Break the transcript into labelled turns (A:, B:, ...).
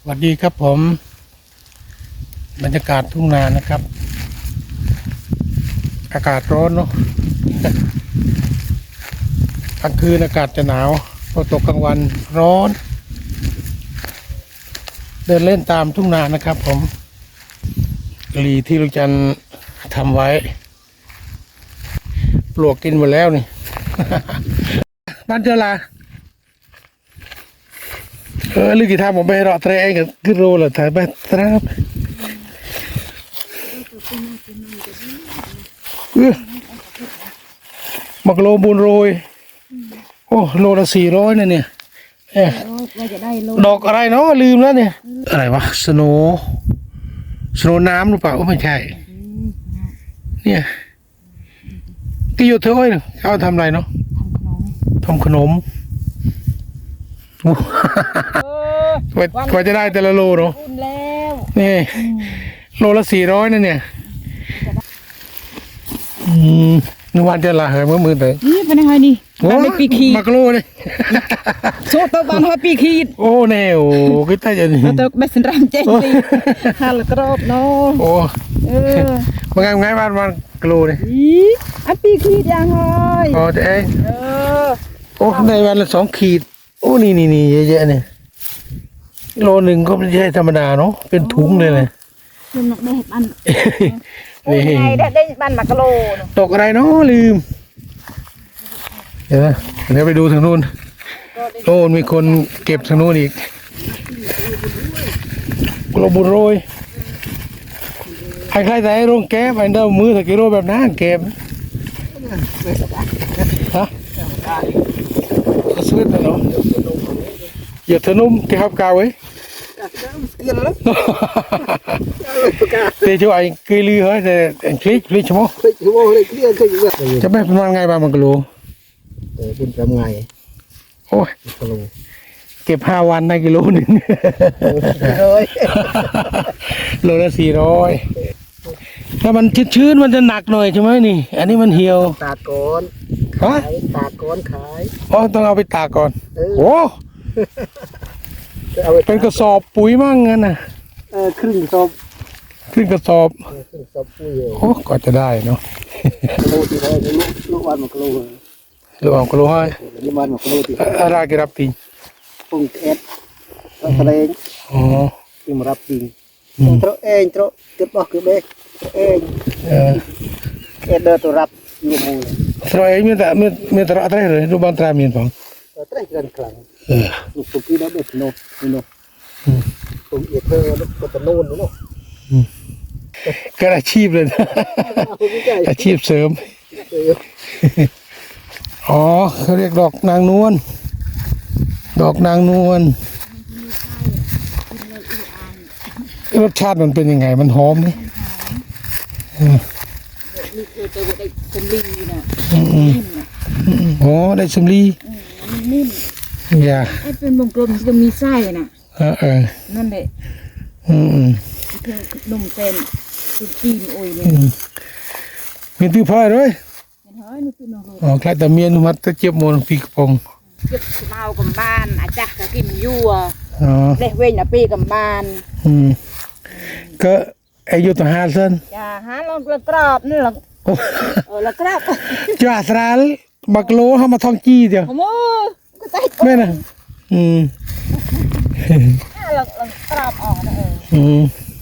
A: สวัสดีครับผมบรรยากาศทุ่งนานะครับอากาศร้อนเนาะกลางคืนอากาศจะหนาวพอตกกลางวันร้อนเดินเล่นตามทุ่งนานะครับผมกะหรี่ที่ลุงจันทร์ทำไว้ปลวกกินหมดแล้วนี่ บ้านเจ้าลาลึกกี่ทางผมไปรอเตะเองกับขึ้นโรเลยถ่ายไปครับมักโลบุญโรยโอ้โลละ400เนี่ยดอกอะไรเนาะลืมแล้วเนี่ยอะไรวะสโนน้ำหรือเปล่าไม่ใช่เนี่ยที่อยู่เท่าไหร่เขาทำอะไรเนาะทำขนมกว่าจะได้แต่ละโลเนาะนี่โลละ400นั่นเนี่ยนึกว่าจะละเหยมือเลย
B: นี่เป็นยังไงนี่บ้านไม่ปีขีด
A: มักโลเลย
B: โซตัวบ้านให้ปีขีด
A: โอ้แนวก็ได้จะนี่
B: ตัวไม่สนรามเจ๊สิฮัลกรอบเนาะ
A: โอ้มันไงบ้านกโลเลย
B: อันปีขีดยังไง
A: อ๋อเจ๊โอ้ในวันละ2 ขีดโอ้นี่เยอะๆเนี่ยโลหนึ่งก็ไม่ใช่ธรรมดาเนาะเป็นถุงเลยเลย
B: นี่ได้บ้านนี่ได้บ้านมากะโล
A: ตกอะไรเนาะลืมเดี๋ยวไปดูทางนู้นโอ้มีคนเก็บทางนู้นอีกกลบุญโรยใครๆแต่โรงแก้ไปเดิมมือตะกี้โรแบบนั้นเก็บฮะซื้อแต่เนาะอย่าเธอนุ่มที่ฮับกาวไว้แต่ช่วยกลือเหรอแต่คลิกชั่วโมงจะไม่เป็นไงบ้างมังกร
C: เป็นทำไง
A: โอ้ยเก็บ5 วันได้กิโลหนึ่งโลละ400ถ้ามันชื้นมันจะหนักหน่อยใช่ไหมนี่อันนี้มันเหี่ยว
C: ตากก่อน
A: ฮะ
C: ตากก่อนขาย
A: อ๋อต้องเอาไปตากก่อนโอ้เป็นกระสอบปุ๋ยมั่งงั้นนะ
C: ครึ่งกระสอบ
A: ปุ๋ยโอ้ก็จะได้เนาะ
C: โลที่ได้ลูกวันมากโล
A: ลูกเอากโลให้
C: ลูกวันมากโลที่
A: อะไรกี่รับติง
C: ปุ่งเอ็ดแสดง
A: อ๋อ
C: ที่มารับติงโตเองโตเก็บบอกเก็บเองเอ็ดเดินตัวรับอยู่มูเลย
A: โตเองมีแต่อะไรเลยรูปบ้านตรามีนของ
C: ตรากันครั้งลูกตุกี้แล้วเด็กโน่ตุ่มเอ็ดเธอลูกตัวโน่นเนาะ
A: ก็อาชีพเลยอาชีพเสริมอ๋อเขาเรียกดอกนางนวลรสชาติมันเป็นยังไงมันหอมไหมอ๋อได้สมลี
B: นิ่ม
A: อย่า
B: เป็นวงกลมจะมีไส้น่ะนั่นแหละนมเส้นสุกี้โอ้ยเนี่ย
A: มีตื้อพ่อเลยอ๋อใครแต่เมียนมัดตะเจี๊ยบโมนปีกปง
B: เก็บเมากับบ้านอาจารย์ก็กินยั่วเด็กเว้นปีกับบ้าน
A: ก็อายุต่อ5 เส้น
B: จ้า5 ลองกรอบนี่หรอละกรอบ
A: จ้าสระบักโลเขามาท่องจี้เดียวไม่นะ
B: ลองกรอบออกนะ